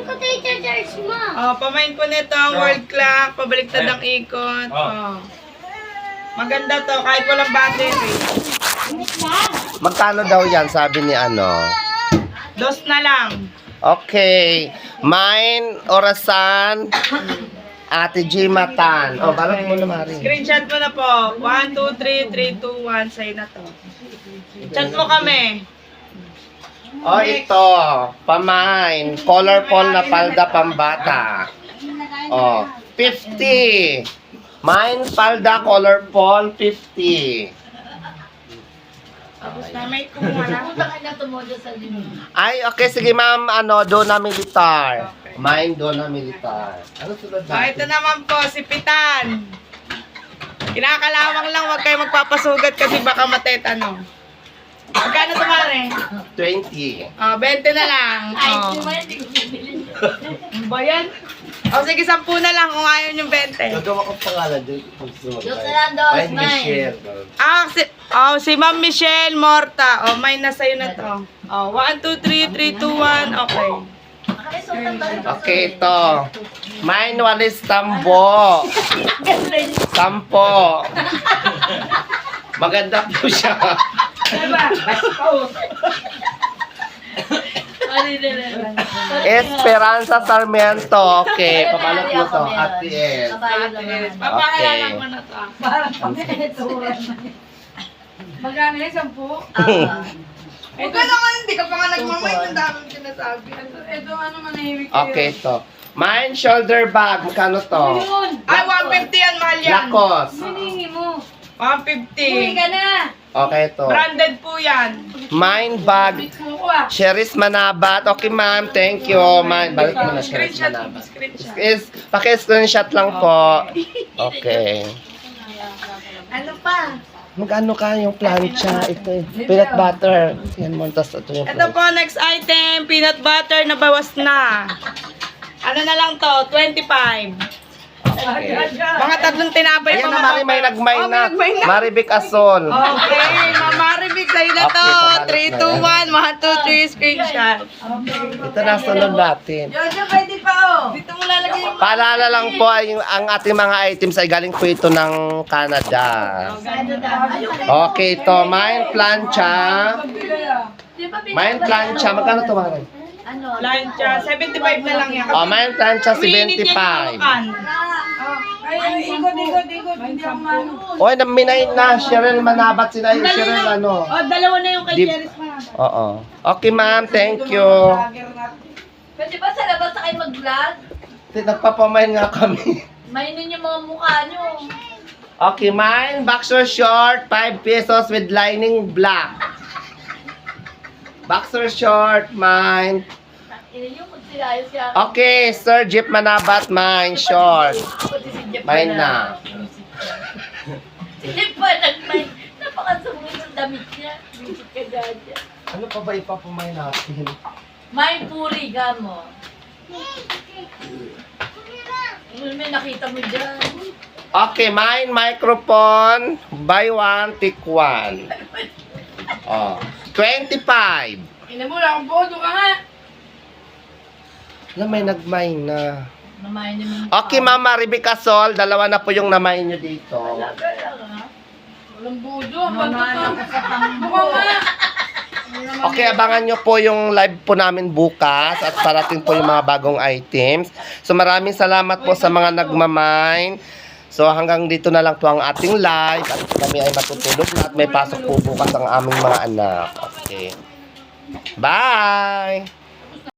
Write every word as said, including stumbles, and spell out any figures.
ko tayo charge mo. Oh, pamain ko nito ang world clock. Pabaliktad ang ikot. Oh. Maganda to, kahit walang battery. Magkano daw yan, sabi ni ano? Dos na lang. Okay. Mine, orasan, Ate G Matan. Oh, balot mo na, Mari. Screenshot mo na po. one, two, three, three, two, one. Sa'yo na to. Chat mo kami. Oh, ito. Pamain. Colorful na palda pambata. Oh, fifty. Mine, palda, colorful, fifty. Tapos na may kumuha Ay, okay. Sige, ma'am. Ano, Dona Militar. Mine, Dona Militar. Ano sunod Oh, ito naman po, si Pitan. Kinakalawang lang, huwag kayo magpapasugat kasi baka matetano. Magkano tumare? twenty. Oh, twenty na lang. Oh. Ano ba yan? O sige, sampu na lang kung ayaw yung twenty. Gagawa ko pangalan dyan. Dos na lang, dos, Mine, nine. Michelle. Ah, si, oh, si Ma'am Michelle Morta. Oh, mine na sa'yo na to. Oh, one, two, three, three, two, one. Okay. Okay, ito. Mine, walis tambo. Sampo. Maganda po siya. Esperanza Sarmiento. Okay, pabalot mo to. At the end. Papakilala mo na to. Magkano yung sampu? Huwag ka naman, hindi ka pa nga nagmamay. Ang daming sinasabi. Ito ano manahimik kayo. Okay, ito. Mine, shoulder bag. Magkano to? Yun! Ay, one fifty yan, mahal yan. Lakos. Hiningi mo. one Uwi fifty. ka na! Okay, ito. Branded po yan. Mine, bag. Bit mo ko ah. Cheris Manabat. Okay, ma'am. Thank you. Mine, balik mo na Cheris Screenshot. Manabat. Screenshot. Is, paki-screenshot lang po. Okay. Ano pa? Magkano ka yung plancha? Ito, peanut butter. Yan mo, tas ito yung Ito plancha. po, next item. Peanut butter na bawas na. Ano na lang to? twenty-five. Okay. Mga tatlong tinapay Ayan pa na, Mari, may nagmay Oh, na. may nagmay na. Maribik Asol. Okay, Mamaribig, sa'yo na to. Okay, pabalot three, na two, yan. one, one, two, three, screenshot. Ito na, sunod natin. Jojo, pwede pa oh. Dito mo lalagay yung... Paalala lang po, ay, ang ating mga items ay galing po ito ng Canada. Okay, ito. Mine plancha. Mine plancha. Magkano ito, Mari? Ano? Plancha, seventy-five na lang yan. Oh, mine plancha, Umiinit yan seventy-five. yung kan. Ay, ay, ikot, ikot, ikot. Hindi ako mano. Oy, naminay na. Cheryl Manabat sila yung Dalawa Cheryl na. ano. Oh, dalawa na yung kay Di- Cheris pa. Oo. Okay, ma'am. Thank you. Pwede ba sa labas na kayo mag-vlog? Nagpapamain nga kami. Mainin yung mga mukha nyo. Okay, mine. Boxer short. five pesos with lining black. Boxer short. Mine. Ina yung magsilayo siya. Okay, Sir Jeep Manabat. Mine. Short. Pati si Jeff Mine na. na. Si Jeff pa nagmay. Napakasungit ng damit niya. Bisit ka dyan dyan. Ano pa ba ipapamain natin? May puri ka mo. Ano may nakita mo dyan? Okay, mine. Microphone. Buy one, take one. Oh. twenty-five. Ina mo, wala akong bodo ka nga. Alam, may nagmain na. Namayin niyo yung Okay, Ma'am Maribik Asol. Dalawa na po yung namain nyo dito. Walang bodo. Ang bato ka. Mukha nga. Okay, abangan nyo po yung live po namin bukas at parating po yung mga bagong items. So maraming salamat po sa mga nagmamine. So hanggang dito na lang po ang ating live at kami ay matutulog na at may pasok po bukas ang aming mga anak. Okay. Bye!